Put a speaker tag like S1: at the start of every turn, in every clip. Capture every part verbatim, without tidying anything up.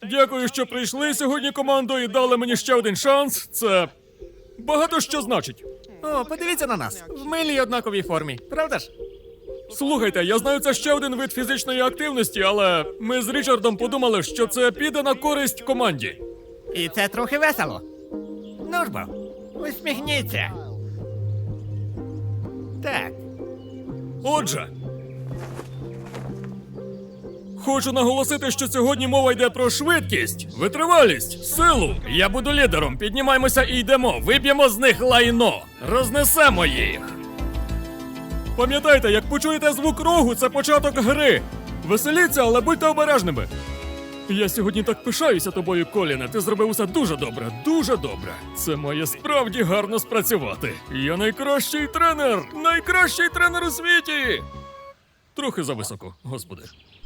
S1: Дякую, що прийшли сьогодні, командо, і дали мені ще один шанс. Це багато що значить.
S2: О, подивіться на нас. В милій однаковій формі, правда ж?
S1: Слухайте, я знаю, це ще один вид фізичної активності, але ми з Річардом подумали, що це піде на користь команді.
S2: І це трохи весело. Ну ж бо, усміхніться. Так.
S1: Отже, хочу наголосити, що сьогодні мова йде про швидкість, витривалість, силу. Я буду лідером. Піднімаємося і йдемо. Виб'ємо з них лайно. Рознесемо їх. Пам'ятайте, як почуєте звук рогу, це початок гри. Веселіться, але будьте обережними. Я сьогодні так пишаюся тобою, Коліне. Ти зробив усе дуже добре, дуже добре. Це має справді гарно спрацювати. Я найкращий тренер! Найкращий тренер у світі! Трохи зависоко, господи.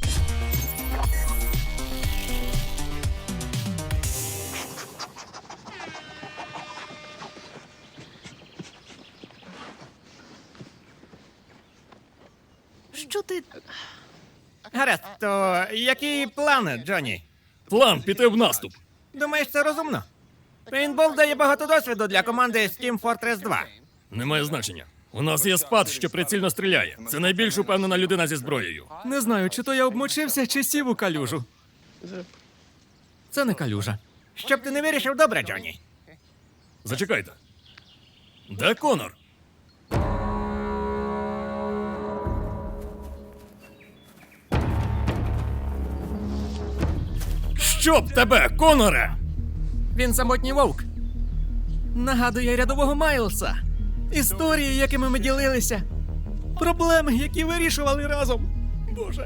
S3: Що ти.
S2: Гаразд, то які плани, Джонні?
S1: План піти в наступ.
S2: Думаєш, це розумно? Пейнтбол дає багато досвіду для команди Team Fortress два.
S1: Немає значення. У нас є спад, що прицільно стріляє. Це найбільш упевнена людина зі зброєю.
S2: Не знаю, чи то я обмочився, чи сів у калюжу. Це не калюжа. Щоб ти не вирішив добре, Джонні.
S1: Зачекайте. Де Конор? Щоб тебе, Коноре!
S2: Він самотній вовк. Нагадує рядового Майлса. Історії, якими ми ділилися. Проблеми, які вирішували разом. Боже.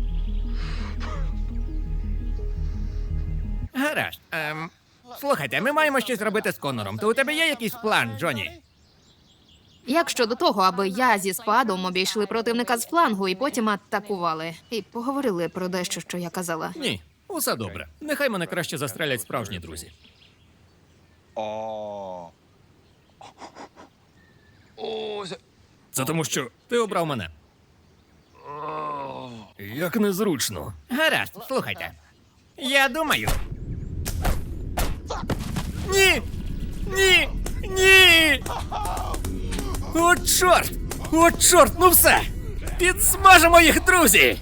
S2: Гаразд. Ем, слухайте, ми маємо щось робити з Конором. То у тебе є якийсь план, Джонні?
S3: Як щодо того, аби я зі спадом обійшли противника з флангу і потім атакували. І поговорили про дещо, що я казала.
S1: Ні, усе добре. Нехай мене краще застрелять справжні друзі. Це тому, що ти обрав мене. Як незручно.
S2: Гаразд, слухайте. Я думаю. Ні! Ні! Ні! О, чорт! О, чорт, ну все! Підсмажимо їх, друзі!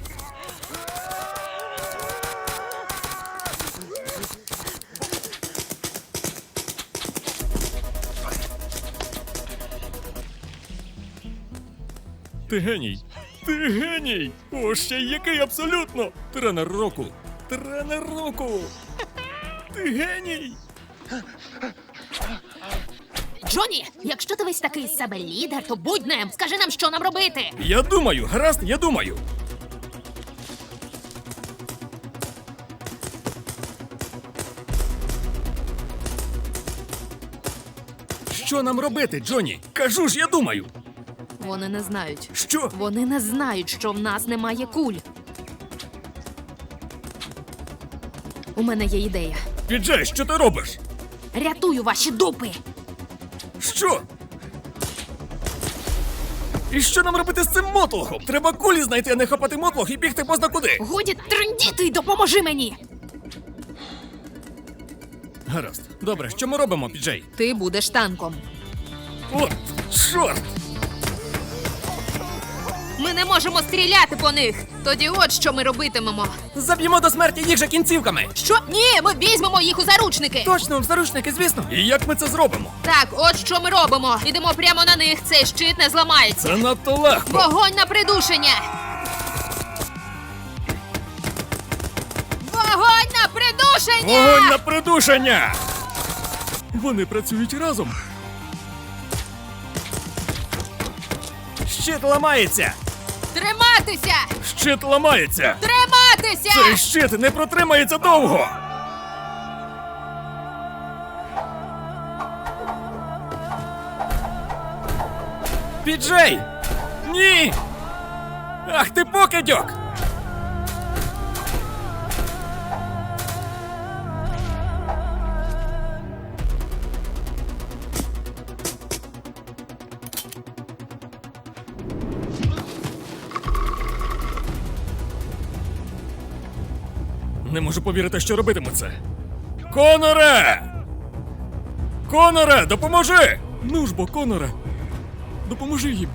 S1: Ти геній! Ти геній! О, ще й який абсолютно! Тренер року! Тренер року! Ти геній!
S3: Джонні, якщо ти весь такий з себе лідер, то будь ним. Скажи нам, що нам робити.
S1: Я думаю, гаразд, я думаю. Що нам робити, Джонні? Кажу ж, я думаю.
S3: Вони не знають.
S1: Що?
S3: Вони не знають, що в нас немає куль. У мене є ідея.
S1: Піджей, що ти робиш?
S3: Рятую ваші дупи.
S1: Що? І що нам робити з цим мотлохом? Треба кулі знайти, а не хапати мотлох і бігти позна куди.
S3: Годі трендіти й допоможи мені.
S1: Гаразд. Добре, що ми робимо, Піджей?
S3: Ти будеш танком.
S1: О, чорт!
S3: Ми не можемо стріляти по них. Тоді от що ми робитимемо.
S2: Заб'ємо до смерті їх же кінцівками!
S3: Що? Ні, ми візьмемо їх у заручники.
S2: Точно, в заручники, звісно!
S1: І як ми це зробимо?
S3: Так, от що ми робимо. Ідемо прямо на них. Цей щит не зламається.
S1: Це надто легко.
S3: Вогонь на придушення! Вогонь на придушення!
S1: Вогонь на придушення! Вони працюють разом.
S2: Щит ламається!
S3: Триматися!
S1: Щит ламається.
S3: Триматися!
S1: Цей щит не протримається довго.
S2: Піджей!
S1: Ні!
S2: Ах ти покидьок!
S1: Не можу повірити, що робитиму це. Коноре! Коноре, допоможи! Ну ж бо, Коноре, допоможи їм.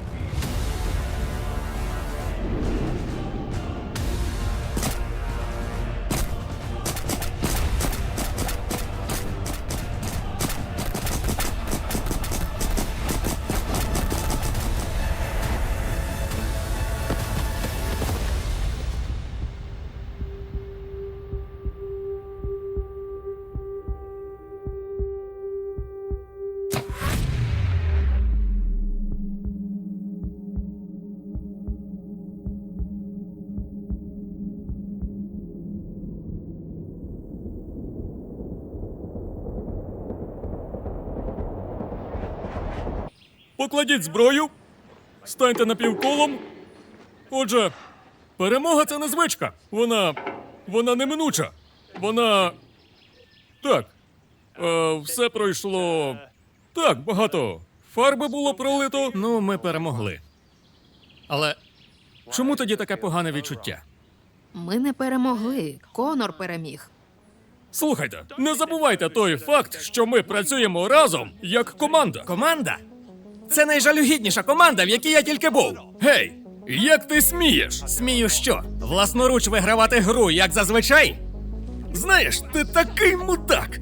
S1: Покладіть зброю, станьте напівколом. Отже, перемога це не звичка. Вона. Вона неминуча. Вона. Так. Е, все пройшло. Так, багато. Фарби було пролито.
S2: Ну, ми перемогли. Але чому тоді таке погане відчуття?
S3: Ми не перемогли. Конор переміг.
S1: Слухайте, не забувайте той факт, що ми працюємо разом як команда.
S2: Команда? Це найжалюгідніша команда, в якій я тільки був.
S1: Гей, як ти смієш?
S2: Смію що? Власноруч вигравати гру, як зазвичай?
S1: Знаєш, ти такий мудак.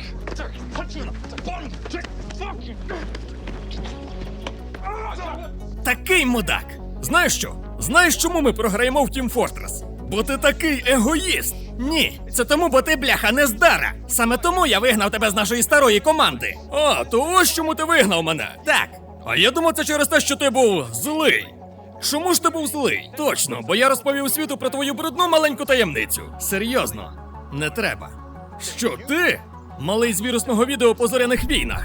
S2: Такий мудак!
S1: Знаєш що? Знаєш, чому ми програємо в Team Fortress? Бо ти такий егоїст.
S2: Ні, це тому, бо ти, бляха, нездара. Саме тому я вигнав тебе з нашої старої команди.
S1: А, то ось чому ти вигнав мене.
S2: Так,
S1: А я думав, це через те, що ти був злий. Чому ж ти був злий? Точно, бо я розповів світу про твою брудну маленьку таємницю.
S2: серйозно, не треба.
S1: Що ти? Малий з вірусного відео по зоряних війнах.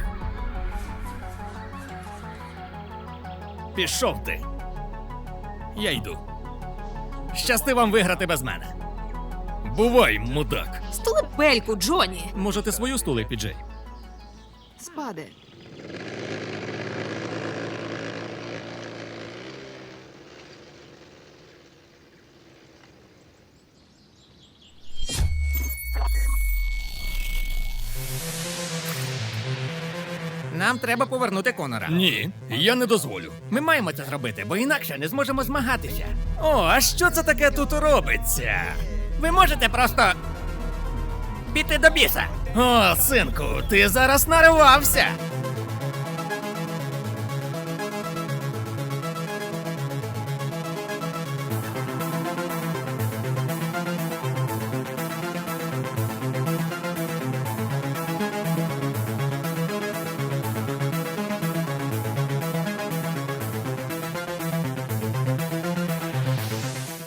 S2: Пішов ти. Я йду. Щасти вам виграти без мене.
S1: Бувай, мудак.
S3: Стули пельку, Джоні.
S2: Може, ти свою стули, Піджей?
S3: Спаде.
S2: Нам треба повернути Конора.
S1: Ні, я не дозволю.
S2: Ми маємо це зробити, бо інакше не зможемо змагатися. О, а що це таке тут робиться? Ви можете просто піти до біса. О, синку, ти зараз наривався.